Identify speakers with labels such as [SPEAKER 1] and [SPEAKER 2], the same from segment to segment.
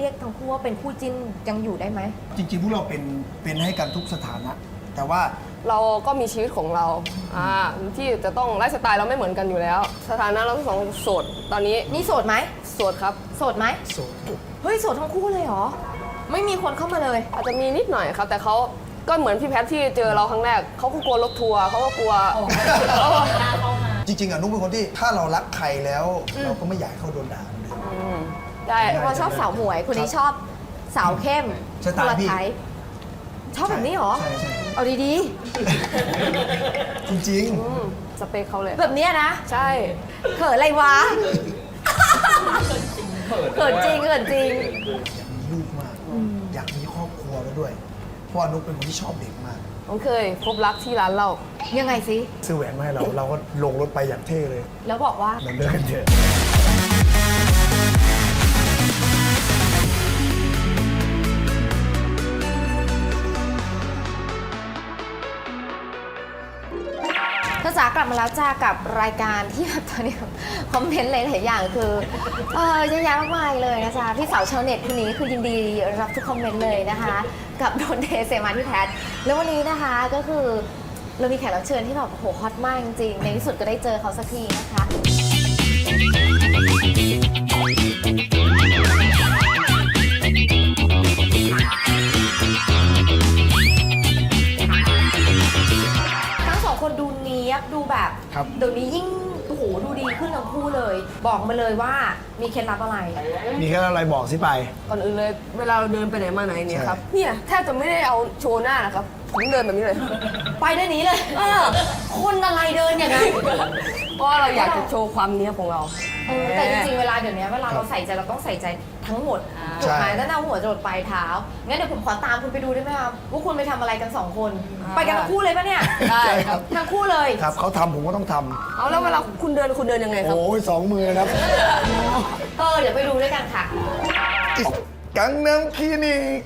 [SPEAKER 1] ยกทั้งคู่ว่าเป็นคู่จิ้นยังอยู่ได้ไหม
[SPEAKER 2] จริงๆพวกเราเป็นให้กันทุกสถานะแต่ว่า
[SPEAKER 3] เราก็มีชีวิตของเราที่จะต้องไลฟ์สไตล์เราไม่เหมือนกันอยู่แล้ว สถานะเราทั้งสองโสดตอนนี้
[SPEAKER 1] นี่โสดไหม
[SPEAKER 3] โสดครับ
[SPEAKER 1] โสดไหม
[SPEAKER 2] โสด
[SPEAKER 1] เฮ้ยโสดทั้งคู่เลยเหรอไม่มีคนเข้ามาเลย
[SPEAKER 3] อาจจะมีนิดหน่อยครับแต่เขาก็เหมือนพี่แพทที่เจอเราครั้งแรกเขาก็กลัวรถทัวร์เขาก็กลัว
[SPEAKER 2] จริงๆนุ๊กเป็นคนที่ถ้าเรารักใครแล้วเราก็ไม่อยากให้เขาโดนด่าเลย
[SPEAKER 3] ได้
[SPEAKER 1] พอชอบสาวหมวยคนนี้ชอบสาวเข้ม
[SPEAKER 2] สไตล์พี่
[SPEAKER 1] ชอบแบบนี้เหรอ
[SPEAKER 2] ใช่
[SPEAKER 1] เอาดี
[SPEAKER 2] จริง
[SPEAKER 3] สเปคเขาเลย
[SPEAKER 1] ๆแบบเนี้ยนะ
[SPEAKER 3] ใช่
[SPEAKER 1] เขินอะไรวะเขินจริงเขินจริง
[SPEAKER 2] อยากมีลูกมากอยากมีครอบครัวแล้วด้วยเพราะนุ๊กเป็นคนที่ชอบเด็กมาก
[SPEAKER 3] ผมเคยพบรักที่ร้านเรา
[SPEAKER 1] ยังไงสิ
[SPEAKER 2] ซื้อแหวนมาให้เราก็ลงรถไปอย่างเท่เลย
[SPEAKER 1] แล้วบอกว่า
[SPEAKER 2] มันเลิกกันเถอะ
[SPEAKER 1] จ๋ากลับมาแล้วจ้ากับรายการที่แบบตอนนี้คอมเมนต์หลายๆอย่างคือเยอะแยะมากมายเลยนะจ๊ะพี่สาวชาวเน็ตคนนี้คือยินดีรับทุกคอมเมนต์เลยนะคะกับโดนเทเซมาที่แพทแล้ววันนี้นะคะก็คือเรามีแขกรับเชิญที่แบบโหฮอตมากจริงๆในที่สุดก็ได้เจอเขาสักทีนะคะคนดูเนี้ยบดูแบบเดี๋ยวนี้ยิ่งโอ้โหดูดีขึ้นทั้งคู่เลยบอกมาเลยว่ามีเคล็ดลับอะไร
[SPEAKER 2] มีเคล็ดลับอะไรบอกสิไป
[SPEAKER 3] ก่อนอื่นเลยเวลาเราเดินไปไหนมาไหนเนี่ยครับเนี่ยแทบจะไม่ได้เอาโชว์หน้านะครับผมเดินแบบนี้เลย
[SPEAKER 1] ไปได้นี้เลยคนอะไรเดินอย่างนั้น
[SPEAKER 3] เพราะเราอยากจะโชว์ความเนี้ยของเรา
[SPEAKER 1] แต่จริงๆเวลาเดี๋ยวนี้เวลาเราใส่ใจเราต้องใส่ใจทั้งหมดถูกไหมตั้งแต่หัวจรดปลายเท้างั้นเดี๋ยวผมขอตามคุณไปดูได้ไหมครับว่าคุณไปทำอะไรกัน2คนไปกันทั้งคู่เลยปะเนี่ย
[SPEAKER 3] ได้ครับ
[SPEAKER 1] ทั้งคู่เลย
[SPEAKER 2] ครับเขาทำผมก็ต้องทำ
[SPEAKER 3] เอาแล้วเวลาคุณเดินยังไงครับ
[SPEAKER 2] โอ้ย2 มือครับ
[SPEAKER 1] เดี๋ยวไปดูด้วยกันค่ะ
[SPEAKER 2] กังนัมคลินิก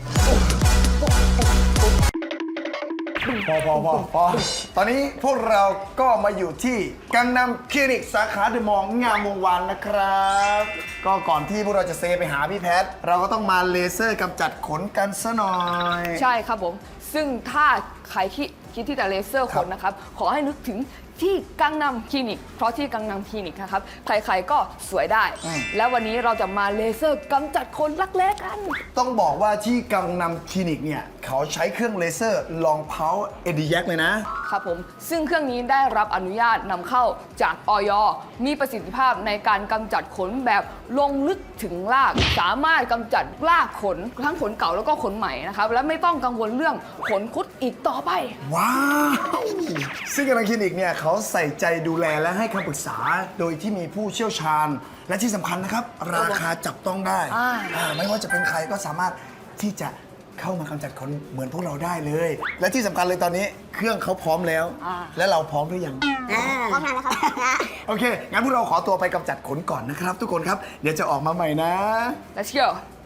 [SPEAKER 2] พอตอนนี้พวกเราก็มาอยู่ที่กังนัมคลินิกสาขาเดอะมอลล์งามวงวานนะครับก็ก่อนที่พวกเราจะเซไปหาพี่แพทเราก็ต้องมาเลเซอร์กำจัดขนกันซะหน่อย
[SPEAKER 3] ใช่ครับผมซึ่งถ้าใครคิดที่จะเลเซอร์ขนนะครับขอให้นึกถึงที่กังนัมคลินิกเพราะที่กังนัมคลินิกนะครับใครๆก็สวยได้แล้ววันนี้เราจะมาเลเซอร์กำจัดขนรักแร้กัน
[SPEAKER 2] ต้องบอกว่าที่กังนัมคลินิกเนี่ยเขาใช้เครื่องเลเซอร์ลองเพาเอดีแยกเลยนะครับ
[SPEAKER 3] ผมซึ่งเครื่องนี้ได้รับอนุญาตนำเข้าจากอย.มีประสิทธิภาพในการกำจัดขนแบบลงลึกถึงรากสามารถกำจัดรากขนทั้งขนเก่าแล้วก็ขนใหม่นะครับและไม่ต้องกังวลเรื่องขนคุดอีกต่อไป
[SPEAKER 2] ว้าวซึ่งกังนัมคลินิกเนี่ยเขาใส่ใจดูแลและให้คำปรึกษาโดยที่มีผู้เชี่ยวชาญและที่สำคัญนะครับราคาจับต้องได้ไม่ว่าจะเป็นใครก็สามารถที่จะเข้ามากำจัดขนเหมือนพวกเราได้เลยและที่สำคัญเลยตอนนี้เครื่องเขาพร้อมแล้วและเราพร้อมหรือยัง
[SPEAKER 1] พร้อมแล้วครับ
[SPEAKER 2] โอเคงั้นพวกเราขอตัวไปกำจัดขนก่อนนะครับทุกคนครับเดี๋ยวจะออกมาใหม่นะ
[SPEAKER 3] Let's go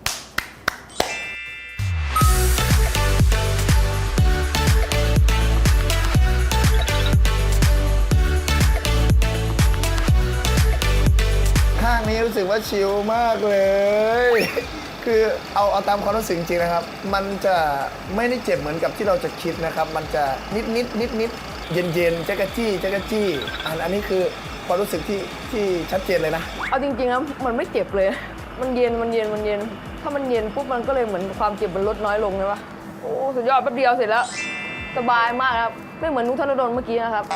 [SPEAKER 2] ข้างนี้รู้สึกว่าชิลมากเลยคือเอาตามความรู้สึกจริงๆนะครับมันจะไม่ได้เจ็บเหมือนกับที่เราจะคิดนะครับมันจะนิดเย็นๆจักรจี้อันนี้คือความรู้สึกที่ชัดเจนเลยนะ
[SPEAKER 3] เอาจริงๆนะมันไม่เจ็บเลยมันเย็นถ้ามันเย็นปุ๊บมันก็เลยเหมือนความเจ็บมันลดน้อยลงเลยวะโอ้สุดยอดแป๊บเดียวเสร็จแล้วสบายมากครับไม่เหมือนนุ๊กธนดลเมื่อกี้นะครับ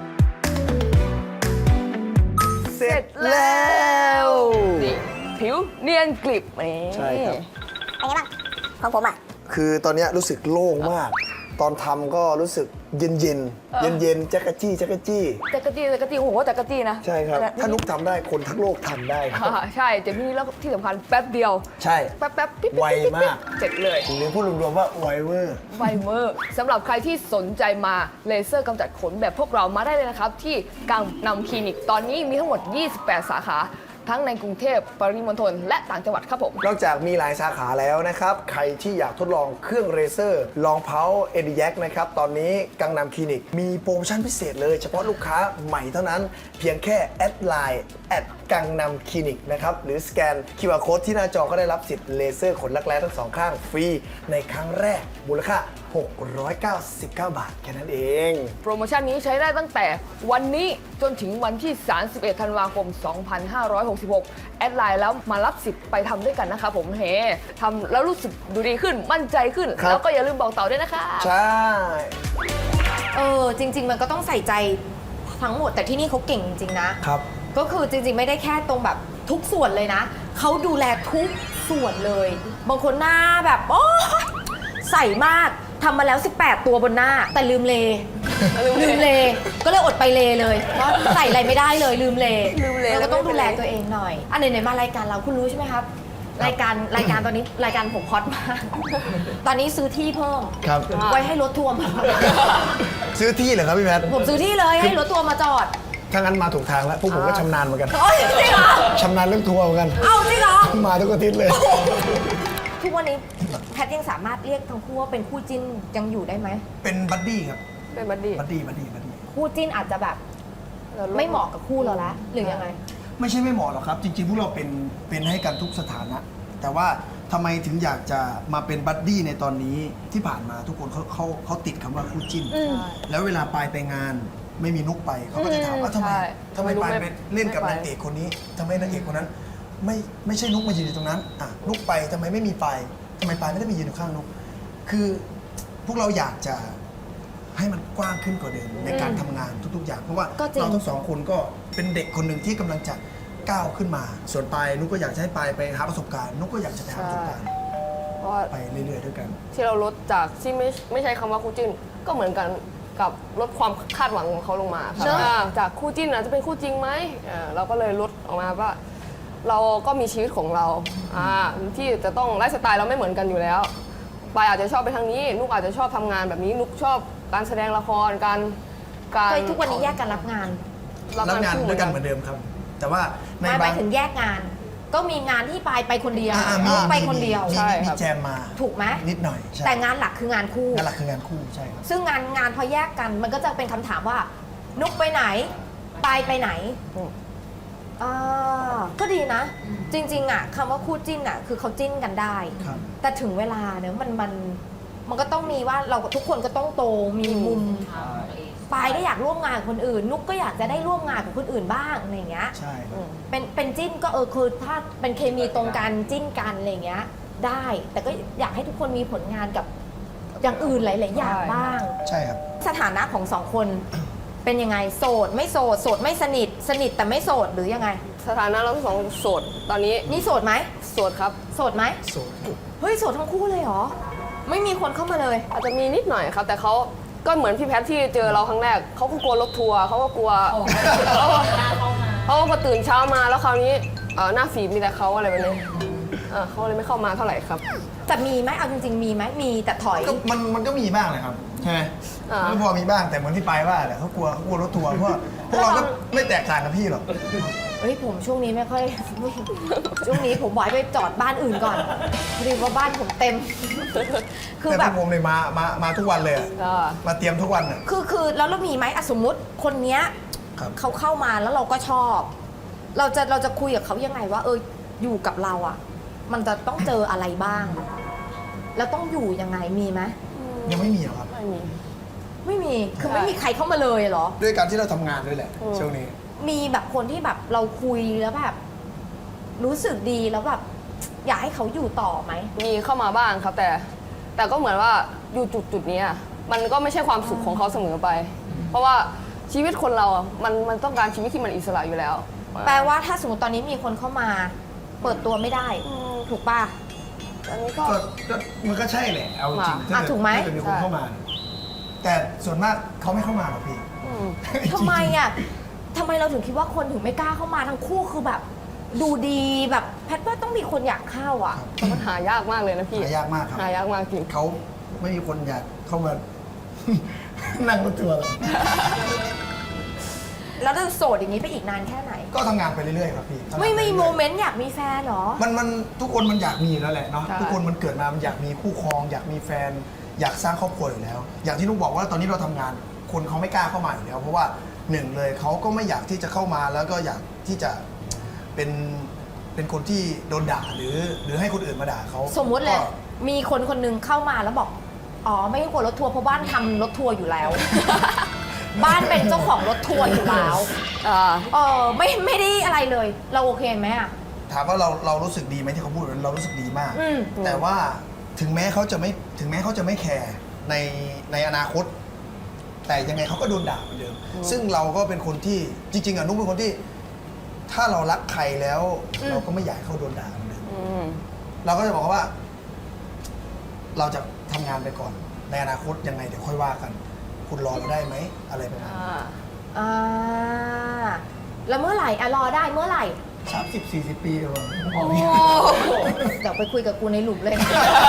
[SPEAKER 2] เสร็จแล้ว
[SPEAKER 3] นี่ผิวเนียนกริบ
[SPEAKER 2] ใช่ครับ
[SPEAKER 1] เป็นไงบ้างของผมอ่ะ
[SPEAKER 2] คือตอนนี้รู้สึกโล่งมากตอนทำก็รู้สึกเย็นจักรจี้
[SPEAKER 3] โอ้โหจักรจี้นะ
[SPEAKER 2] ใช่ครับถ้านุ๊กทำได้คนทั้งโลกทำได้ครับ
[SPEAKER 3] ใช่เจ็บนี่แล้วที่สำคัญแป๊บเดียว
[SPEAKER 2] ใช่
[SPEAKER 3] แป๊บ
[SPEAKER 2] ไวมาก
[SPEAKER 3] เสร็จเลย
[SPEAKER 2] หรือพูดรวมๆว่าไวเวอร์
[SPEAKER 3] สำหรับใครที่สนใจมาเลเซอร์กำจัดขนแบบพวกเรามาได้เลยนะครับที่กังนัมคลินิกตอนนี้มีทั้งหมด28 สาขาทั้งในกรุงเทพปริมณฑลและต่างจังหวัดครับผม
[SPEAKER 2] นอกจากมีหลายสาขาแล้วนะครับใครที่อยากทดลองเครื่องเลเซอร์ลองเพาเอดีแยกนะครับตอนนี้กังนัมคลินิกมีโปรโมชั่นพิเศษเลยเฉพาะลูกค้าใหม่เท่านั้นเพียงแค่แอดไลน์กังนำคลินิกนะครับหรือสแกน QR Code ที่หน้าจอก็ได้รับสิทธิ์เลเซอร์ขนรักแร้ทั้งสองข้างฟรีในครั้งแรกมูลค่า699 บาทแค่นั้นเอง
[SPEAKER 3] โปรโมชั่นนี้ใช้ได้ตั้งแต่วันนี้จนถึงวันที่ 31 ธันวาคม 2566 แอดไลน์แล้วมารับสิทธิ์ไปทำด้วยกันนะคะผมเฮทำแล้วรู้สึกดูดีขึ้นมั่นใจขึ้น
[SPEAKER 2] ครับ
[SPEAKER 3] แล้วก็อย่าลืมบอกต่อด้วยนะคะ
[SPEAKER 2] ใช่
[SPEAKER 1] จริง ๆ มันก็ต้องใส่ใจทั้งหมดแต่ที่นี่เขาเก่งจริงๆนะ
[SPEAKER 2] ครับ
[SPEAKER 1] ก็คือจริงๆ ไม่ได้แค่ตรงแบบทุกส่วนเลยนะ เขาดูแลทุกส่วนเลย บางคนหน้าแบบโอ้ยใส่มากทำมาแล้ว 18 ตัวบนหน้า แต่ลืมเล ลืมเล ก็เลยอดไปเลเลยเพราะใส่อะไรไม่ได้เลยลืมเล
[SPEAKER 3] ลืมเล
[SPEAKER 1] แล้วก็ต้องดูแลตัวเองหน่อยอันไหนๆมารายการเราคุณรู้ใช่ไหมครับ รายการตอนนี้รายการผมฮอตมาก ตอนนี้ซื้อที่เพิ่ม
[SPEAKER 2] ครับ
[SPEAKER 1] ไว้ให้รถทัวร์มา
[SPEAKER 2] ซื้อที่เหรอครับพี่แพท
[SPEAKER 1] ผมซื้อที่เลยให้รถทัวร์มาจอด
[SPEAKER 2] ถ้างั้นมาถูกทางแล้วพวกผมก็ชำนาญเหมือนกัน
[SPEAKER 1] โอ้ยจริงเหรอ
[SPEAKER 2] ชำนาญเรื่องทัวร์เหมือนกัน
[SPEAKER 1] เอาจริงเหรอ
[SPEAKER 2] มาทุกอาทิตย์เลย
[SPEAKER 1] ทุกวันนี้แพทย์ยังสามารถเรียกทั้งคู่ว่าเป็นคู่จิ้นยังอยู่ได้ไหม
[SPEAKER 2] เป็นบัดดี้ครับ
[SPEAKER 3] เป็นบัดดี้
[SPEAKER 2] บัดดี้
[SPEAKER 1] คู่จิ้นอาจจะแบบไม่เหมาะกับคู่เราละหรือยังไง
[SPEAKER 2] ไม่ใช่ไม่เหมาะหรอกครับ จริงๆพวกเราเป็นให้กันทุกสถานะ แต่ว่าทำไมถึงอยากจะมาเป็นบัดดี้ในตอนนี้ที่ผ่านมาทุกคนเขาติดคำว่าคู่จิ้น
[SPEAKER 1] อืม
[SPEAKER 2] แล้วเวลาปายไปงานไม่มีนุกไปเขาก็จะถามว่าทำไม
[SPEAKER 3] ใช่
[SPEAKER 2] ทำไมปายไปเล่นกับ
[SPEAKER 3] ไม่ไป
[SPEAKER 2] นางเอกคนนี้ทำไมนางเอกคนนั้น ไม่ใช่นุกมายืนอยู่ตรงนั้นอ่ะนุกไปทำไมไม่มีปายทำไมปายไม่ได้มายืนอยู่ข้างนุกคือพวกเราอยากจะให้มันกว้างขึ้นกว่าเดิมในการทำงานทุกๆอย่างเพราะว่า
[SPEAKER 1] ก็จริง
[SPEAKER 2] เราทั้งสองคนก็เป็นเด็กคนหนึ่งที่กำลังจะก้าวขึ้นมา ส่วนปายนุกก็อยากจะให้ปายไปหาประสบการณ์นุกก็อยากจะไปหาประสบการณ์
[SPEAKER 3] เพราะว่า
[SPEAKER 2] ไปเรื่อยๆด้วยกัน
[SPEAKER 3] ที่เราลดจากที่ไม่ใช่คำว่าคู่จิ้นก็เหมือนกันกับลดความคาดหวังของเขาลงมาครับ
[SPEAKER 1] ใช่
[SPEAKER 3] จากคู่จิ้นจะเป็นคู่จริงไหมเราก็เลยลดออกมาว่า เราก็มีชีวิตของเราที่จะต้องไลฟ์สไตล์เราไม่เหมือนกันอยู่แล้วปายอาจจะชอบไปทางนี้นุกอาจจะชอบทำงานแบบนี้นุกชอบการแสดงละครการ
[SPEAKER 1] เคยทุกวันนี้แยกกันรับงาน
[SPEAKER 2] รับงานด้วยกันเหมือนเดิมครับ แต่ว่าใน
[SPEAKER 1] หมาย
[SPEAKER 2] บาง
[SPEAKER 1] ถึงแยกงาน ก็มีงานที่ไปคนเดียว
[SPEAKER 2] มี
[SPEAKER 1] ไปคนเดียว
[SPEAKER 2] มีแจมมา
[SPEAKER 1] ถูกไหม
[SPEAKER 2] นิดหน่อยใช่
[SPEAKER 1] แต่งานหลักคืองานคู่
[SPEAKER 2] งานหลักคืองานคู่ใช่ครับ
[SPEAKER 1] ซึ่งงานพอแยกกันมันก็จะเป็นคำถามว่า นุกไปไหนไปไหน
[SPEAKER 3] อืม
[SPEAKER 1] ก็ดีนะ จริงๆอ่ะคำว่าคู่จิ้นอ่ะคือเขาจิ้นกันได้
[SPEAKER 2] ครับ
[SPEAKER 1] แต่ถึงเวลาเนี่ยมันก็ต้องมีว่าเราทุกคนก็ต้องโตมีมุมปายก็อยากร่วมงานกับคนอื่น นุกก็อยากจะได้ร่วมงานกับคนอื่นบ้างอะไรอย่างเงี้ย
[SPEAKER 2] ใช่ครับ
[SPEAKER 1] เป็นจิ้นก็คือถ้าเป็นเคมีตรงกันจิ้นกันอะไรอย่างเงี้ยได้ แต่ก็อยากให้ทุกคนมีผลงานกับอย่างอื่นหลายๆอย่างบ้าง
[SPEAKER 2] ใช่ครับ
[SPEAKER 1] สถานะของสองคนเป็นยังไงโสดไม่โสดโสดไม่สนิทสนิทแต่ไม่โสดหรือยังไง
[SPEAKER 3] สถานะเราทั้งสองโสดตอนนี้
[SPEAKER 1] นี่โสดไหม
[SPEAKER 3] โสดครับ
[SPEAKER 1] โสดไหม
[SPEAKER 2] โสดครับ
[SPEAKER 1] เฮ้ยโสดทั้งคู่เลยเหรอไม่มีคนเข้ามาเลย
[SPEAKER 3] อาจจะมีนิดหน่อยครับ แต่เขาก็เหมือนพี่แพทที่เจอเราครั้งแรกเขาก็กลัวรถทัวร์เขาก็กลัวเขาก็พอตื่นเช้ามาแล้วคราวนี้หน้าฝีมีแต่เขาอะไรแบบนี้เขาเลยไม่เข้ามาเท่าไหร่ครับ
[SPEAKER 1] แต่มีไหมเอาจริงๆมีไหมมีแต่ถอย
[SPEAKER 2] ก็มันก็มีบ้างเลยครับใช่ไหม
[SPEAKER 3] อ่า
[SPEAKER 2] ก็พอมีบ้างแต่เหมือนที่ไปว่าแหละเขากลัวรถทัวร์เพราะว่าพวกเราก็ไม่แตกต่างกับพี่หรอก
[SPEAKER 1] เฮ้ยผมช่วงนี้ไม่ค่อย ช่วงนี้ผมบอกให้ไปจอดบ้านอื่นก่อนพอดีว่าบ้านผมเต็ม คือ
[SPEAKER 2] แต่
[SPEAKER 1] แบ
[SPEAKER 2] พว
[SPEAKER 1] บ
[SPEAKER 2] กผมเลยมาทุกวันเลยอะ
[SPEAKER 3] อ่า
[SPEAKER 2] มาเตรียมทุกวันอ่ะ
[SPEAKER 1] คือแล้วเรามีไหมสมมติคนเนี้ย
[SPEAKER 2] ครับ
[SPEAKER 1] เขาเข้ามาแล้วเราก็ชอบ เราจะคุยกับเขายังไงว่าอยู่กับเราอ่ะ มันจะต้องเจออะไรบ้าง แล้วต้องอยู่ยังไงมีไหม
[SPEAKER 2] ยังไม่มีหรอกครับ
[SPEAKER 3] ไม่มี
[SPEAKER 1] ไม่มีคือ
[SPEAKER 3] ใช่
[SPEAKER 1] ไม่มีใครเข้ามาเลยเหรอ
[SPEAKER 2] ด้วยการที่เราทำงานด้วยแหละช่วงนี้
[SPEAKER 1] มีแบบคนที่แบบเราคุยแล้วแบบ รู้สึกดีแล้วแบบ อยากให้เขาอยู่ต่อไหม
[SPEAKER 3] มีเข้ามาบ้างครับแต่ก็เหมือนว่าอยู่จุดนี้อะมันก็ไม่ใช่ความสุขของเขาเสมอไป เพราะว่าชีวิตคนเราอะมันต้องการชีวิตที่มันอิสระอยู่แล้ว
[SPEAKER 1] แปลว่าถ้าสมมติตอนนี้มีคนเข้ามา เปิดตัวไม่ได้ ถูกป่ะ
[SPEAKER 3] อันนี้ก็
[SPEAKER 2] ก็มันก็ใช่แหละเอาจริง
[SPEAKER 1] อ่ะถูกไหม
[SPEAKER 2] ถ้าเกิดมีคนเข้ามาเนี่ยแต่ส่วนมากเขาไม่เข้ามาหรอกพี่
[SPEAKER 3] อืม
[SPEAKER 1] ทำไมอ่ะทำไมเราถึงคิดว่าคนถึงไม่กล้าเข้ามาทั้งคู่คือแบบ ดูดีแบบแพทย์ว่าต้องมีคนอยากเข้าอ่ะ
[SPEAKER 3] แต่มันหายากมากเลยนะพี่
[SPEAKER 2] หายากมากครับ
[SPEAKER 3] หายากมากจริง
[SPEAKER 2] เขาไม่มีคนอยากเข้ามา นั่งรถทัวร์หรอก
[SPEAKER 1] แล้วจะโสดอย่างนี้ไปอีกนานแค่ไหน
[SPEAKER 2] ก็ทำงานไปเรื่อยๆครับพี่ทำงาน
[SPEAKER 1] ไม่มี
[SPEAKER 2] ปรื่อยๆ
[SPEAKER 1] โมเมนต์อยากมีแฟนเหรอ
[SPEAKER 2] มันทุกคนมันอยากมีแล้วแหละเนาะ
[SPEAKER 3] ใช่
[SPEAKER 2] ทุกคนมันเกิดมามันอยากมีคู่ครอง อยากมีแฟน อยากสร้างครอบครัวอยู่แล้ว อย่างที่นุกบอกว่าตอนนี้เราทำงาน คนเขาไม่กล้าเข้ามาอยู่แล้ว เพราะว่าหนึ่งเลยเขาก็ไม่อยากที่จะเข้ามาแล้วก็อยากที่จะเป็นคนที่โดนด่าหรือให้คนอื่นมาด่าเขา
[SPEAKER 1] สมมุติเลย
[SPEAKER 2] ก็
[SPEAKER 1] มีคนคนหนึงเข้ามาแล้วบอก อ๋อ ไม่ต้องกลัวรถทัวร์เพราะบ้านทำรถทัวร์อยู่แล้ว บ้านเป็นเจ้าของรถทัวร์อยู่แล้ว ไม่ได้อะไรเลย เราโอเคไหมอะ
[SPEAKER 2] ถามว่าเรารู้สึกดีไหมที่เขาพูดเรารู้สึกดีมาก
[SPEAKER 1] อืม
[SPEAKER 2] แต่ว่าถึงแม้เขาจะไม่แคร์ในอนาคต แต่ยังไงเขาก็โดนด่าเหมือนเดิมซึ่งเราก็เป็นคนที่จริงๆอ่ะนุ๊กเป็นคนที่ ถ้าเรารักใครแล้ว เราก็ไม่อยากให้เขาโดนด่าเหมือนเดิมเราก็จะบอกว่า เราจะทำงานไปก่อน ในอนาคตยังไงเดี๋ยวค่อยว่ากัน คุณรอเราได้ไหมอะไรประมาณนั้น
[SPEAKER 1] อ่าแล้วเมื่อไหร่อะรอได้เมื่อไหร่
[SPEAKER 2] 30-40 ปีเลย
[SPEAKER 1] เดี๋ยวไปคุยกับกูในหลุมเลย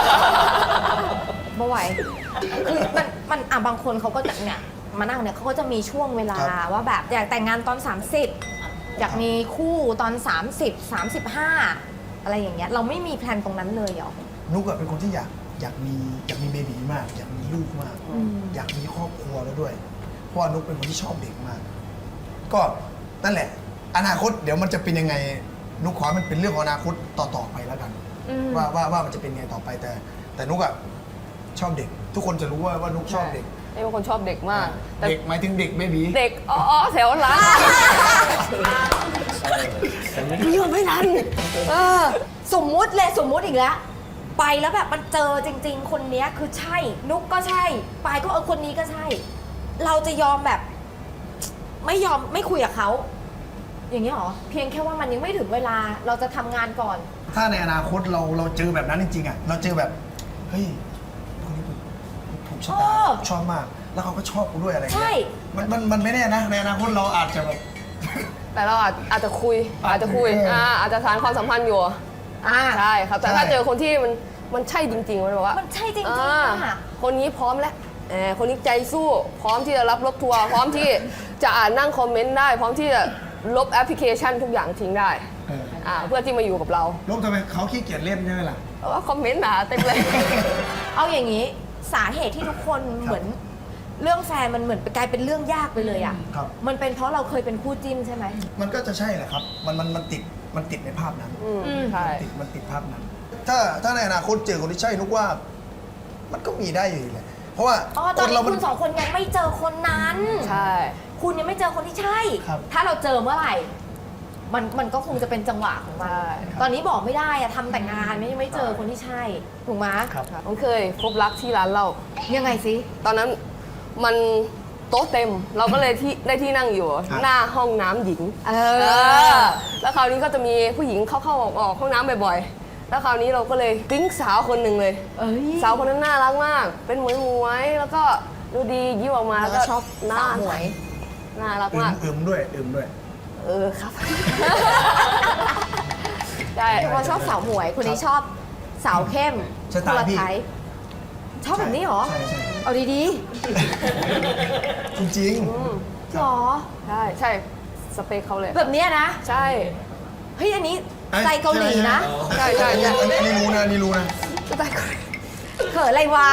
[SPEAKER 1] ไม่ไหวคือมันบางคนเขาก็จะเนี่ยมานั่งเนี่ยเขาก็จะมีช่วงเวลาว่าแบบอยากแต่งงานตอน 30 อยากมีคู่ตอน 30 35 อะไรอย่างเงี้ยเราไม่มีแพลนตรงนั้นเลยเหรอ
[SPEAKER 2] นุกอะเป็นคนที่อยากมีเบบีมาก อยากมีลูกมาก อยากมีครอบครัวแล้วด้วย เพราะว่านุกเป็นคนที่ชอบเด็กมาก ก็นั่นแหละ อนาคตเดี๋ยวมันจะเป็นยังไงนุกขอให้มันเป็นเรื่องของอนาคตต่อไปแล้วกัน ว่ามันจะเป็นยังไงต่อไปแต่นุกอะชอบเด็ก ทุกคนจะรู้ว่านุกชอบเด็ก
[SPEAKER 3] นี่เป็นคนชอบเด็กมากแต่
[SPEAKER 2] เด็กหมายถึงเด็กเบบี
[SPEAKER 3] เด็กอ๋อแถวหลังไม่ยอมไม่ทัน
[SPEAKER 1] สมมุติอีกแล้ว ไปแล้วแบบมันเจอจริง ๆ คนเนี้ยคือใช่ นุกก็ใช่ปายก็คนนี้ก็ใช่ เราจะยอมแบบ ไม่คุยกับเขาอย่างนี้หรอเพียงแค่ว่ามันยังไม่ถึงเวลาเราจะทำงานก่อน
[SPEAKER 2] ถ้าในอนาคตเราเจอแบบนั้นจริงๆอะเราเจอแบบเฮ้ยคนนี้ถูกชะตาชอบมาก แล้วเขาก็ชอบกูด้วยอะไรอย่าง
[SPEAKER 1] ใช่
[SPEAKER 2] เงี้ยมันไม่แน่นะในอนาคตเราอาจจะแบบ
[SPEAKER 3] แต่เราอาจจะคุยอาจจะสานความสัมพันธ์อยู่ใช่ครับ แต่ถ้าเจอคนที่มันใช่จริงๆมันบอกว่า
[SPEAKER 1] มันใช่จริง
[SPEAKER 3] อ่
[SPEAKER 1] ๆค่ะ
[SPEAKER 3] คนนี้พร้อมแล้วคนนี้ใจสู้ พร้อมที่จะรับรถทัวร์พร้อมที่จะอ่านนั่งคอมเมนต์ได้ พร้อมที่จะลบแอปพลิเคชันทุกอย่างทิ้งได้เพื่อที่มาอยู่กับเรา
[SPEAKER 2] ลบทำไมเขาขี้เกียจเล่นใช่ไหมล่ะ
[SPEAKER 3] เพราะว่าคอมเมนต์หนาเต็มเลย
[SPEAKER 1] เอาอย่างนี้สาเหตุที่ทุกคนเหมือนเรื่องแฟนมันเหมือนกลายเป็นเรื่องยากไปเลยอ่ะ
[SPEAKER 2] ครับ
[SPEAKER 1] มันเป็นเพราะเราเคยเป็นคู่จิ้นใช่ไหม
[SPEAKER 2] มันก็จะใช่แหละครับ มันติดในภาพนั้น
[SPEAKER 3] ใช่
[SPEAKER 2] มันติดภาพนั้น ถ้าในอนาคตเจอคนที่ใช่นุกว่า มันก็มีได้อยู่แหละเพราะว่า
[SPEAKER 1] อ๋อตอนนี้
[SPEAKER 2] เรา
[SPEAKER 1] คุณสองคนยังไม่เจอคนนั้น
[SPEAKER 3] ใช่
[SPEAKER 1] คุณยังไม่เจอคนที่ใช่
[SPEAKER 2] ครับ
[SPEAKER 1] ถ้าเราเจอเมื่อไหร่ มันก็คงจะเป็นจังหวะของมัน
[SPEAKER 3] ใช่
[SPEAKER 1] ตอนนี้บอกไม่ได้อะทำแต่งานยังไม่เจอคนที่ใช่ ถูกไหม
[SPEAKER 2] ครับ
[SPEAKER 3] ผมเคยพบรักที่ร้านเรา
[SPEAKER 1] ยังไงสิ
[SPEAKER 3] ตอนนั้นมันโต๊ะเต็ม เราก็เลยได้ที่นั่งอยู่ หน้าห้องน้ำหญิง แล้วคราวนี้ก็จะมีผู้หญิงเข้าๆออกห้องน้ำบ่อยๆ แล้วคราวนี้เราก็เลยปิ๊งสาวคนหนึ่งเลย
[SPEAKER 1] เอ้ย
[SPEAKER 3] สาวคนนั้นน่ารักมาก เป็นหมวยๆแล้วก็ดูดียิ้มออกมา
[SPEAKER 1] แล้วก็ชอบ
[SPEAKER 3] หน้า
[SPEAKER 1] สาวหมวย
[SPEAKER 3] น่ารักมาก
[SPEAKER 2] อึมด้วย
[SPEAKER 3] ครับ ใช่
[SPEAKER 1] เราชอบสาวหมวยคนนี้ชอบสาวเข้ม
[SPEAKER 2] สไตล์พี่
[SPEAKER 1] คนละทป์ชอบแบบนี้เหรอ
[SPEAKER 2] ใช่
[SPEAKER 1] เอาดี
[SPEAKER 2] จริง
[SPEAKER 1] ๆหรอ
[SPEAKER 3] ใช่สเปคเขาเลย
[SPEAKER 1] แบบเนี้ยนะ
[SPEAKER 3] ใช่
[SPEAKER 1] เฮ้ยอันนี้
[SPEAKER 2] อ้ย
[SPEAKER 1] ใจเกาหลีนะ
[SPEAKER 3] ใช่ใช่
[SPEAKER 2] อันนี้รู้นะ
[SPEAKER 3] สไตล์เกาหลี
[SPEAKER 1] เขินอะไรวะ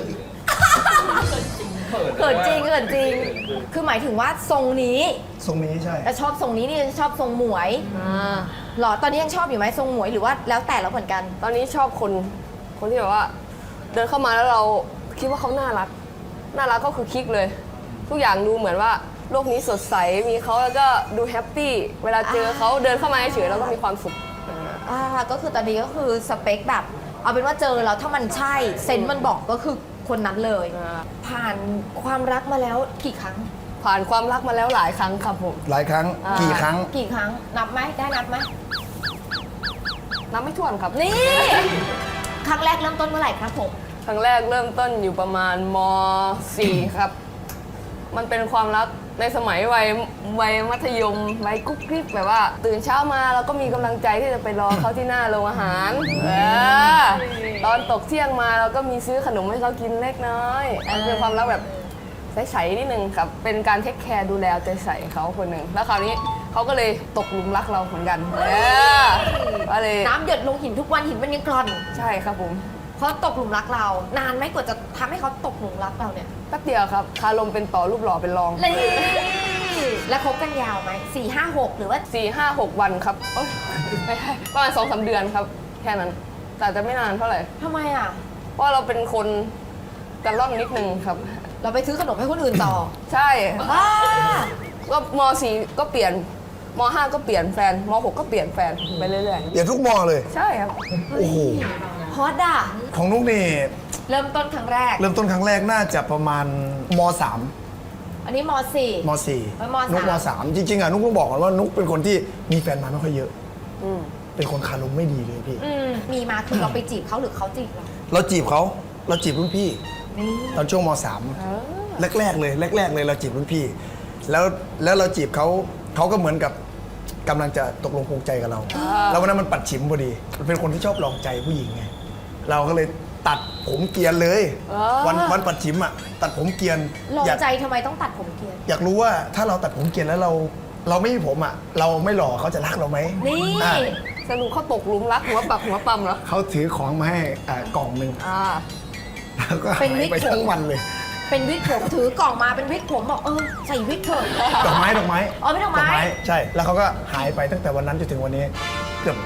[SPEAKER 1] เขินจริง คือหมายถึงว่าทรงนี้
[SPEAKER 2] ทรงนี้ใช่
[SPEAKER 1] แต่ชอบทรงนี้นี่ชอบทรงหมวยหรอ ตอนนี้ยังชอบอยู่ไหมทรงหมวยหรือว่าแล้วแต่แล้วเหมือนกัน
[SPEAKER 3] ตอนนี้ชอบคนที่แบบว่า เดินเข้ามาแล้วเราคิดว่าเขาน่ารักก็คือคลิกเลย ทุกอย่างดูเหมือนว่าโลกนี้สดใสมีเขาแล้วก็ดูแฮปปี้เวลาเจอเขาเดินเข้ามาเฉยๆแล้วก็มีความสุข
[SPEAKER 1] ก็คือตอนนี้ก็คือสเปคแบบ เอาเป็นว่าเจอแล้วถ้ามันใช่เซนส์มันบอกก็คือคนนั้นเลย ผ่านความรักมาแล้วกี่ครั้ง
[SPEAKER 3] ผ่านความรักมาแล้วหลายครั้งครับผม
[SPEAKER 2] หลายครั้ง กี่ครั้ง
[SPEAKER 1] กี่ครั้งนับไหมได้นับไหม
[SPEAKER 3] นับไม่ถ้วนครับ
[SPEAKER 1] นี่ ครั้งแรกเริ่มต้นเมื่อไหร่ครับผม
[SPEAKER 3] ครั้งแรกเริ่มต้นอยู่ประมาณม .4 ครับ มันเป็นความรักในสมัยวัยมัธยมวัยกุ๊กกิ๊กแบบว่า ตื่นเช้ามาเราก็มีกำลังใจที่จะไปรอเขาที่หน้าโรงอาหารตอนตกเที่ยงมาเราก็มีซื้อขนมให้เขากินเล็กน้อยมันเป็นความรักแบบใสๆนิดนึงครับ เป็นการเทคแคร์ดูแลเอาใจใส่เขาคนหนึ่งแล้วคราวนี้เขาก็เลยตกหลุมรักเราเหมือนกันก็เลย
[SPEAKER 1] น้ำหยดลงหินทุกวันหินมันยังกร่อน
[SPEAKER 3] ใช่ครับผม
[SPEAKER 1] เขาตกหลุมรักเรา นานไหมกว่าจะทำให้เขาตกหลุมรักเราเนี่ย
[SPEAKER 3] แป๊บเดียวครับคารมเป็นต่อรูปหล่อเป็นรอง
[SPEAKER 1] เลยแล้วคบกันยาวไหม4 5 6 หรือว่า
[SPEAKER 3] 4-5-6 วันครับเอ้ยไม่ใช่ประมาณ2-3 เดือนครับ แค่นั้น แต่จะไม่นานเท่าไหร่
[SPEAKER 1] ทำไมอ่ะ
[SPEAKER 3] เพราะเราเป็นคนกระล่อนนิดนึงครับ
[SPEAKER 1] เราไปซื้อขนมให้คนอื่นต่อ
[SPEAKER 3] ใช่
[SPEAKER 1] อ่า
[SPEAKER 3] ก็ม.4 ก็เปลี่ยนม.5 ก็เปลี่ยนแฟนม.6 ก็เปลี่ยนแฟนไปเรื่อย
[SPEAKER 2] อย่าทุกมอเลย
[SPEAKER 3] ๆ ใช่ครับ
[SPEAKER 2] โอ้โห
[SPEAKER 1] ฮอตอ่ะ
[SPEAKER 2] ของนุกนี่
[SPEAKER 1] เริ่มต้นครั้งแรก
[SPEAKER 2] เริ่มต้นครั้งแรกน่าจะประมาณม3
[SPEAKER 1] อันนี้ม
[SPEAKER 2] ม
[SPEAKER 1] .4
[SPEAKER 2] 4
[SPEAKER 1] ม
[SPEAKER 2] นุกม3จริงๆอ่ะนุกต้องบอกก่อนว่านุกเป็นคนที่มีแฟนมาไม่ค่อยเยอะ
[SPEAKER 3] อืม
[SPEAKER 2] เป็นคนคารมไม่ดีเลยพี่
[SPEAKER 1] มีมาคือเราไปจีบเขาหรือเขาจีบเรา
[SPEAKER 2] เราจีบเขาเราจีบรุ่นพี่
[SPEAKER 1] นี่
[SPEAKER 2] ตอนช่วงม3แรกๆเลยเราจีบรุ่นพี่ แล้วเราจีบเขาก็เหมือนกับกำลังจะตกลงปลงใจกับเรา แล้ววันนั้นมันปัดฉิมพอดีมันเป็นคนที่ชอบลองใจผู้หญิงไงเราก็เลยตัดผมเกรียนเลย วันปัดฉิมอ่ะตัดผมเกรียน
[SPEAKER 1] ลอง
[SPEAKER 2] อยาก
[SPEAKER 1] ใจทำไมต้องตัดผมเกลียน
[SPEAKER 2] อยากรู้ว่าถ้าเราตัดผมเกรียนแล้วเราไม่มีผมอ่ะเราไม่หล่อเขาจะรักเราไหม
[SPEAKER 1] นี่
[SPEAKER 2] อ่ะ
[SPEAKER 3] สรุปเขาตกหลุมรักหัวปักหัวปั๊มเหรอ
[SPEAKER 2] เขาถือของมาให้กล่องหนึ่ง
[SPEAKER 3] อ่า
[SPEAKER 2] แล้วก็หา
[SPEAKER 1] เป็นวิ
[SPEAKER 2] ย
[SPEAKER 1] ก
[SPEAKER 2] ไป
[SPEAKER 1] ผม
[SPEAKER 2] ทั้งวันเลย
[SPEAKER 1] เป็นวิกผมถือกล่องมาเป็นวิกผมบอกใส่วิกเถอะ
[SPEAKER 2] ดอกไม้
[SPEAKER 1] อ๋อไม่ดอกไม้
[SPEAKER 2] ใช่ แล้วเขาก็หายไปตั้งแต่วันนั้นจนถึงวันนี้เกือบ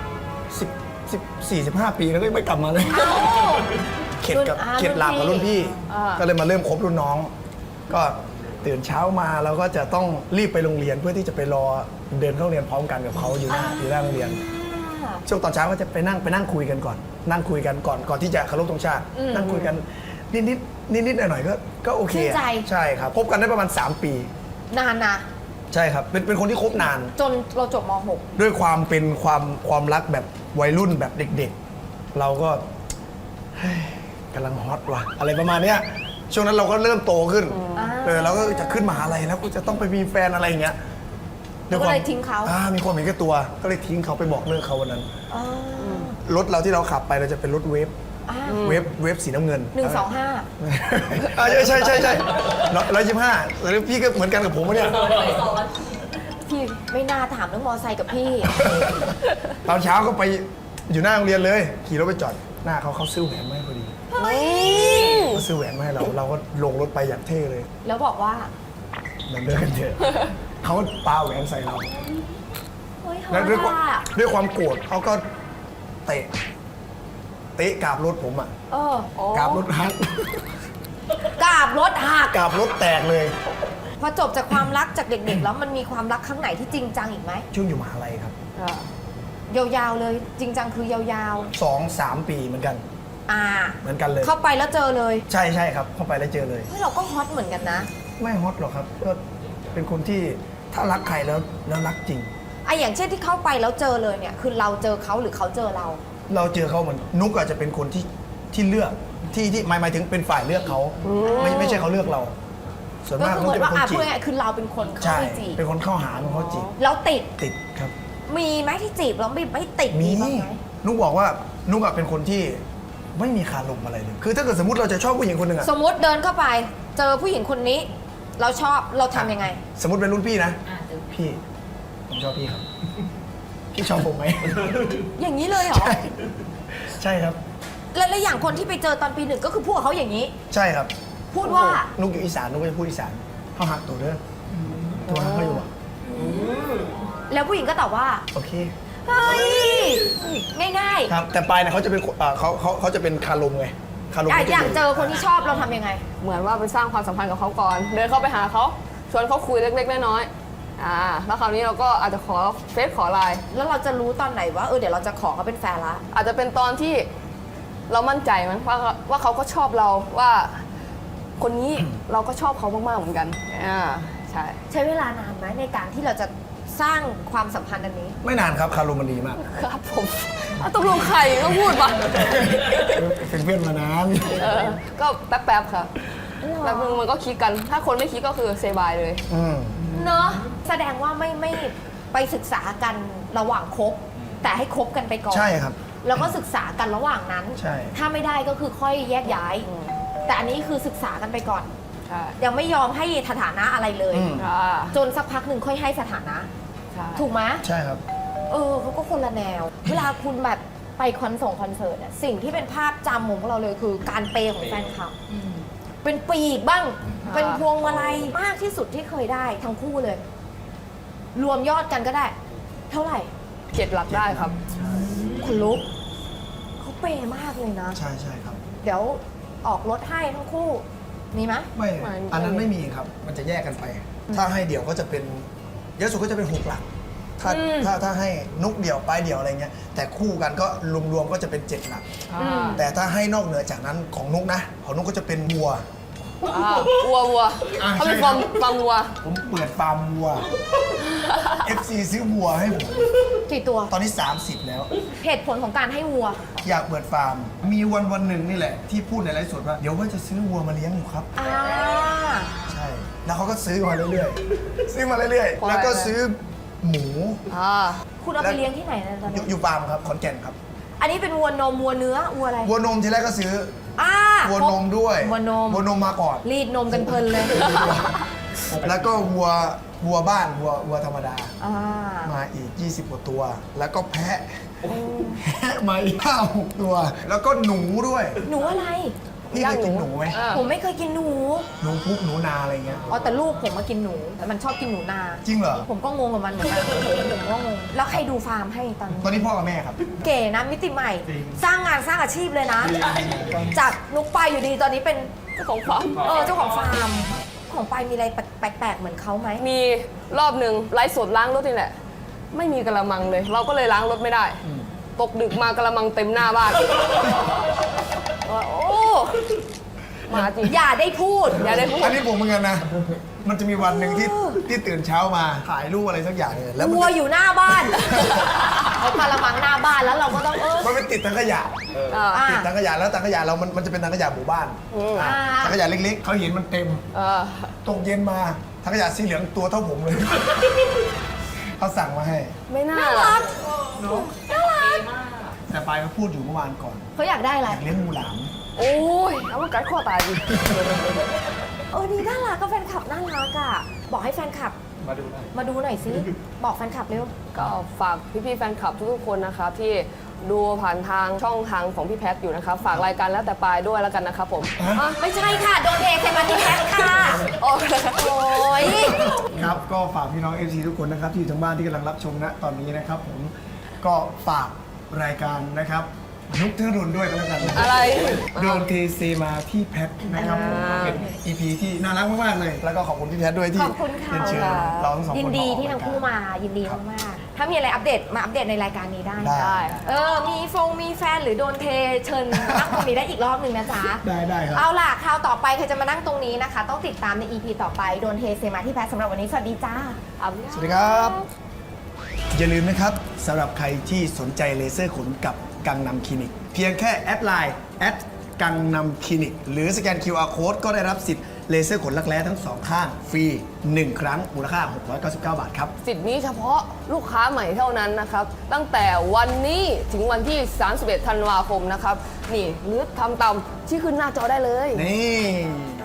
[SPEAKER 2] 45 ปีแล้วก็ไม่กลับมาเลย
[SPEAKER 1] อ้าว
[SPEAKER 2] เข็ดกับ
[SPEAKER 1] รุ่น
[SPEAKER 2] เข็ดหลาบกับรุ่นพี่
[SPEAKER 3] อ่า
[SPEAKER 2] ก็เลยมาเริ่มคบรุ่นน้อง ก็ตื่นเช้ามาเราก็จะต้องรีบไปโรงเรียนเพื่อที่จะไปรอเดินเข้าโรงเรียนพร้อมกันกับเขาอยู่หน้าโรงเรียน ช่วงตอนเช้าก็จะไปนั่งคุยกันก่อน นั่งคุยกันก่อนที่จะเคารพธงชาติ นั่งคุยกันนิดหน่อยๆก็โอเค
[SPEAKER 1] ชื่นใจ
[SPEAKER 2] ใช่ครับคบกันได้ประมาณ 3 ปี
[SPEAKER 1] นานนะ
[SPEAKER 2] ใช่ครับเป็นคนที่คบนาน
[SPEAKER 1] จนเราจบม
[SPEAKER 2] ด้วยความเป็นความรักแบบวัยรุ่นแบบเด็กๆ เราก็เฮ้ยกำลังฮอตว่ะอะไรประมาณเนี้ยช่วงนั้นเราก็เริ่มโตขึ้นเราก็จะขึ้นมหาลัยแล้วก็จะต้องไปมีแฟนอะไรอย่างเงี้ย
[SPEAKER 1] แล้วก็เลยทิ้งเขา
[SPEAKER 2] มีความเห็นแก่ตัวก็เลยทิ้งเขาไปบอกเลิกเขาวันนั้น
[SPEAKER 1] .6 อ๋อ
[SPEAKER 2] รถเราที่เราขับไปเราจะเป็นรถเวฟ
[SPEAKER 1] อ่า
[SPEAKER 2] เวฟสีน้ำเงิน
[SPEAKER 1] 125
[SPEAKER 2] ใช่125แล้วพี่ก็เหมือนกันกับผมวะเนี่ย
[SPEAKER 1] พี่ไม่น่าถามเรื่องมอไซค์กับพี่
[SPEAKER 2] ตอนเช้าก็ไปอยู่หน้าโรงเรียนเลย ขี่รถไปจอดหน้าเขาซื้อแหวนมาให้พอดีเขาซื้อแหวนมาให้เราก็ลงรถไปอย่างเท่เลย
[SPEAKER 1] แล้วบอกว่า
[SPEAKER 2] มันเลิกกันเถอะเขาปาแหวนใส่เรา
[SPEAKER 1] เฮ้ย
[SPEAKER 2] แล้วด้วย
[SPEAKER 1] ฮอตอะ
[SPEAKER 2] ความโกรธเขาก็เตะกราบรถผมอ่ะ กราบรถฮัก
[SPEAKER 1] กราบรถหัก
[SPEAKER 2] กราบรถแตกเลย
[SPEAKER 1] พอจบจากความรักจากเด็กๆ แล้วมันมีความรักครั้งไหนที่จริงจังอีกไหม
[SPEAKER 2] ช่วงอยู่มหาลัยครับ
[SPEAKER 1] ยาวๆเลยจริงจังคือยาว
[SPEAKER 2] 2-3 ปีเหมือนกัน
[SPEAKER 1] ๆ
[SPEAKER 2] เหมือนกันเลย
[SPEAKER 1] เข้าไปแล้วเจอเลย
[SPEAKER 2] ใช่ครับเข้าไปแล้วเจอเลย
[SPEAKER 1] เฮ้ยเราก็ฮอตเหมือนกันนะ
[SPEAKER 2] ไม่ฮอตหรอกครับก็เป็นคนที่ถ้ารักใครแล้วรักจริง
[SPEAKER 1] ไออย่างเช่นที่เข้าไปแล้วเจอเลยเนี่ยคือเราเจอเขาหรือเขาเจอเรา
[SPEAKER 2] เราเจอเขาเหมือนนุกอาจจะเป็นคนที่เลือกที่หมายถึงเป็นฝ่ายเลือกเขาไม่ใช่เขาเลือกเรา ส่วน
[SPEAKER 1] ก็
[SPEAKER 2] มาก
[SPEAKER 1] คือ
[SPEAKER 2] นุ
[SPEAKER 1] เห
[SPEAKER 2] ก
[SPEAKER 1] มือน
[SPEAKER 2] จะเป็น
[SPEAKER 1] ว่า
[SPEAKER 2] คนจี
[SPEAKER 1] พูด
[SPEAKER 2] บ
[SPEAKER 1] ง่ายๆคือเราเป็นคนเข้า
[SPEAKER 2] ใช่
[SPEAKER 1] ไปจีบ
[SPEAKER 2] เป็นคนเข้าหาเป็นคนเขาจีบ
[SPEAKER 1] แล้วติด
[SPEAKER 2] ติดครับ
[SPEAKER 1] มีไหมที่จีบแล้วไม่ติด
[SPEAKER 2] มี
[SPEAKER 1] บ้างไหม
[SPEAKER 2] นุกบอกว่านุกอะเป็นคนที่ไม่มีคารมอะไรเลยคือถ้าเกิดสมมติเราจะชอบผู้หญิงคนหนึ่งอะ
[SPEAKER 1] สมมติเดินเข้าไป เจอผู้หญิงคนนี้ เราชอบเราทำยังไง
[SPEAKER 2] สมมติเป็นรุ่นพี่นะพี่ผมชอบพี่ครับพี่ชอบผมไหม
[SPEAKER 1] อย่างนี้เลยเหรอ
[SPEAKER 2] ใช่ครับ
[SPEAKER 1] แล้วอย่างคนที่ไปเจอตอนปี 1ก็คือพูดกับเขาอย่างนี้
[SPEAKER 2] ใช่ครับ
[SPEAKER 1] พูดว่า
[SPEAKER 2] นุกอยู่อีสานนุกก็จะพูดอีสานเขาหักตัวเด้อตัวหักเขาอยู่อะ
[SPEAKER 1] แล้วผู้หญิงก็ตอบว่า
[SPEAKER 2] โอเค
[SPEAKER 1] เฮ้ยง่าย
[SPEAKER 2] ครับแต่ปลายเนี่ยเขาจะเป็นเขาจะเป็นคารมไงคารม
[SPEAKER 1] ๆอย่างเจอคนที่ชอบเราทำยังไง
[SPEAKER 3] เหมือนว่าไปสร้างความสัมพันธ์กับเขาก่อน เดินเข้าไปหาเขาชวนเขาคุยเล็กๆน้อยๆแล้วคราวนี้เราก็อาจจะขอเฟซขอไลน์
[SPEAKER 1] แล้วเราจะรู้ตอนไหนว่าเดี๋ยวเราจะขอเขาเป็นแฟนละ
[SPEAKER 3] อาจจะเป็นตอนที่เรามั่นใจมั้งว่าเขาก็ชอบเราว่าคนนี้เราก็ชอบเขามากๆเหมือนกันใช่
[SPEAKER 1] ใช้เวลานานไหมในการที่เราจะสร้างความสัมพันธ์อันนี้
[SPEAKER 2] ไม่นานครับคารมมันดีมาก
[SPEAKER 3] ครับผมตกลงใครก็พูดมา
[SPEAKER 2] เป็นเพื่อนมานาน
[SPEAKER 3] ก็แป๊บๆค่ะแป๊บนึงมันก็คลิกกัน ถ้าคนไม่คลิกก็คือเซบายเลย
[SPEAKER 1] เนอะแสดงว่าไม่ไปศึกษากันระหว่างคบ แต่ให้คบกันไปก่อน
[SPEAKER 2] ใช่ครับ
[SPEAKER 1] แล้วก็ศึกษากันระหว่างนั้น
[SPEAKER 2] ใช่
[SPEAKER 1] ถ้าไม่ได้ก็คือค่อยแยกย้าย แต่อันนี้คือศึกษากันไปก่อน
[SPEAKER 3] ใช่
[SPEAKER 1] ยังไม่ยอมให้สถานะอะไรเลย จนสักพักหนึ่งค่อยให้สถานะ
[SPEAKER 3] ใช่
[SPEAKER 1] ถูกไหม
[SPEAKER 2] ใช่ครับ
[SPEAKER 1] เขาก็คนละแนว เวลาคุณแบบไปคอนเสิร์ตสิ่งที่เป็นภาพจำของพวกเราเลยคือการเปย์ของแฟนคลับ เป็นปีกบ้างเป็นพวงมาลัยมากที่สุดที่เคยได้ทั้งคู่เลย รวมยอดกันก็ได้ เท่าไหร่
[SPEAKER 3] 7 หลักได้ครับ
[SPEAKER 1] คุณลุกเขาเปย์มากเลยนะ
[SPEAKER 2] ใช่ใช่ครับ
[SPEAKER 1] เดี๋ยวออกรถให้ทั้งคู่ มีไหม
[SPEAKER 2] ไม่
[SPEAKER 3] ไม่
[SPEAKER 2] อันนั้นไม่มีครับ มันจะแยกกันไป ถ้าให้เดี่ยวก็จะเป็นเยอะสุดก็จะเป็น6 หลัก ถ้าให้นุกเดี่ยวปลายเดี่ยวอะไรเงี้ย แต่คู่กันก็รวมๆก็จะเป็น 7 หลัก แต่ถ้าให้นอกเหนือจากนั้นของนุกนะ ของนุกก็จะเป็นวัว
[SPEAKER 3] วัว
[SPEAKER 2] อ่า
[SPEAKER 3] เขาเป็น
[SPEAKER 2] ใช่ครับ
[SPEAKER 3] ฟาร์มวัว
[SPEAKER 2] ผมเปิดฟาร์มวัว FC ซื้อวัวให้ผม
[SPEAKER 1] กี่ตัว
[SPEAKER 2] ตอนนี้ 30 แล้ว
[SPEAKER 1] เหตุผลของการให้วัว
[SPEAKER 2] อยากเปิดฟาร์ม มีวันหนึ่งนี่แหละ ที่พูดในไลฟ์สดว่า เดี๋ยวว่าจะซื้อวัวมาเลี้ยงอยู่ครับ
[SPEAKER 1] อ่า
[SPEAKER 2] ใช่ แล้วเขาก็ซื้อมาเรื่อยๆ ซื้อมาเรื่อย
[SPEAKER 3] ปล่
[SPEAKER 2] ๆ
[SPEAKER 3] อย
[SPEAKER 2] แล้วก็ซื้อหมู
[SPEAKER 1] คุณเอาไปเลี้ยงที่ไหนนะตอน
[SPEAKER 2] อ
[SPEAKER 1] นี้
[SPEAKER 2] ยู่ฟาร์มครับขอนแก่นครับ
[SPEAKER 1] อันนี้เป็นวัวนมวัวเนื้อวัวอะไร
[SPEAKER 2] วัวนมทีแรกก็ซื้อ
[SPEAKER 1] อ่า
[SPEAKER 2] วัวนมด้วย
[SPEAKER 1] วัวนม
[SPEAKER 2] วัวนมมาก่อน
[SPEAKER 1] รีดนมกันเพลินเลย
[SPEAKER 2] แล้วก็วัวบ้านวัวธรรมดา
[SPEAKER 1] อ่า
[SPEAKER 2] มาอีก 20 กว่าตัว แล้วก็แพะมาอีก5-6 ตัว แล้วก็หนูด้วย
[SPEAKER 1] หนูอะไร
[SPEAKER 2] พี่เคยกินหนูไหม
[SPEAKER 1] ผมไม่เคยกินหนู
[SPEAKER 2] หนูพุกหนูนาอะไรเงี้ย
[SPEAKER 1] อ๋อแต่ลูกผมมากินหนูแต่มันชอบกินหนูนา
[SPEAKER 2] จริงเหรอ
[SPEAKER 1] ผมก็งงกับมันเหมือนกันผมก็งง แล้วใครดูฟาร์มให้ตอนนี้
[SPEAKER 2] ตอนนี้พ่อกับแม่ครับ
[SPEAKER 1] เก๋นะมิติใหม่ สร้างงานสร้างอาชีพเลยนะ จากนุกไปอยู่ดีตอนนี้เป็น
[SPEAKER 3] เจ้าของฟาร์ม
[SPEAKER 1] เจ้าของฟาร์ม ของไปมีอะไรแปลกๆเหมือนเขาไหม
[SPEAKER 3] มีรอบหนึ่งไลฟ์สดล้างรถนี่แหละ ไม่มีกระมังเลย เราก็เลยล้างรถไม่ได้ ตกดึกมากระมังเต็มหน้าบ้านว่าโอ้มาจริง
[SPEAKER 1] อย่าได้พูด
[SPEAKER 3] อย่าได้พูด
[SPEAKER 2] อันนี้ผมเหมือนกันนะ มันจะมีวันหนึ่งที่ตื่นเช้ามาถ่ายรูปอะไรสักอย่างเนี่ยแล้วมัน
[SPEAKER 1] วัวอยู่หน้าบ้านเอากระมังหน้าบ้านแล้วเราก็ต้อง
[SPEAKER 2] มันไปติดถังขยะ
[SPEAKER 3] อ่า
[SPEAKER 2] ติดถังขยะแล้วถังขยะเรามันจะเป็นถังขยะหมู่บ้าน
[SPEAKER 1] อ่า
[SPEAKER 2] ถังขยะเล็กๆเขาเห็นมันเต็ม
[SPEAKER 3] เออ
[SPEAKER 2] ตกเย็นมาถังขยะสีเหลืองตัวเท่าผมเลย เขาสั่งมาให้
[SPEAKER 3] ไม่น่า
[SPEAKER 1] น่า
[SPEAKER 3] ล่ะ
[SPEAKER 1] รักน่ารัก
[SPEAKER 2] แต่ปายเขาพูดอยู่เมื่อวานก่อน
[SPEAKER 1] เขาอยากได้อะไร
[SPEAKER 2] อยากเลี้ยงงูหลาม
[SPEAKER 3] โอ้ยเอามากัดข้อตายดิ
[SPEAKER 1] นี่น่ารักก็แฟนคลับน่ารักอ่ะ บอกให้แฟนคลับ มาดูหน่อยสิ บอกแฟนคลับเร็ว
[SPEAKER 3] ก็ฝากพี่ๆแฟนคลับทุกๆคนนะครับที่ดูผ่านทางช่องทางของพี่แพทอยู่นะครับ ฝากรายการแล้วแต่ปลายด้วยแล้วกันนะครับผม
[SPEAKER 1] ไม่ใช่ค่ะ โดนเอใส่มาที่แพ็คค่ะ
[SPEAKER 3] โอ้ย
[SPEAKER 1] โอ้ย
[SPEAKER 2] ครับ ก็ฝากพี่น้อง FC ทุกคนนะครับที่อยู่ทางบ้านที่กำลังรับชมณตอนนี้นะครับผมก็ฝากรายการนะครับนุกเทอรุนด้วยก็แล้วกันนะ
[SPEAKER 3] อะไร
[SPEAKER 2] โดนเทเซมาที่แพทนะครับผมเป็น EP ที่น่ารักมากๆเลย แล้วก็ขอบคุณพี่แพทด้วยที่
[SPEAKER 1] ขอบคุณค่ะ
[SPEAKER 2] เรียนเชิญเราทั้งสองคน
[SPEAKER 1] ยินดีที่
[SPEAKER 2] ออก
[SPEAKER 1] ทั้งคู่
[SPEAKER 2] รยกร
[SPEAKER 1] มา ยินดีมากๆ ถ้ามีอะไรอัปเดตมาอัปเดตในรายการนี้ได้
[SPEAKER 2] ได้
[SPEAKER 1] มีแฟนหรือโดนเทเชิญนั่งตรงนี้ได้อีกรอบหนึ่งนะจ๊ะ
[SPEAKER 2] ได้ครับ
[SPEAKER 1] เอาล่ะคราวต่อไปใครจะมานั่งตรงนี้นะคะ ต้องติดตามใน EP ต่อไป โดนเทเซมาที่แพทสำหรับวันนี้ สวัสดีจ้า
[SPEAKER 2] สวัสดีครับ อย่าลืมนะครับสำหรับใครที่สนใจเลเซอร์ขนกับกังนำคลินิก เพียงแค่แอดไลน์กังนำคลินิก หรือสแกน QR Code ก็ได้รับสิทธิ์เลเซอร์ขนรักแร้ทั้งสองข้าง ฟรี 1 ครั้งมูลค่า 699 บาทครับ
[SPEAKER 3] สิทธิ์นี้เฉพาะลูกค้าใหม่เท่านั้นนะครับ ตั้งแต่วันนี้ถึงวันที่ 31 ธันวาคมนะครับ นี่หรือทำตามที่ขึ้นหน้าจอได้เลย
[SPEAKER 2] นี่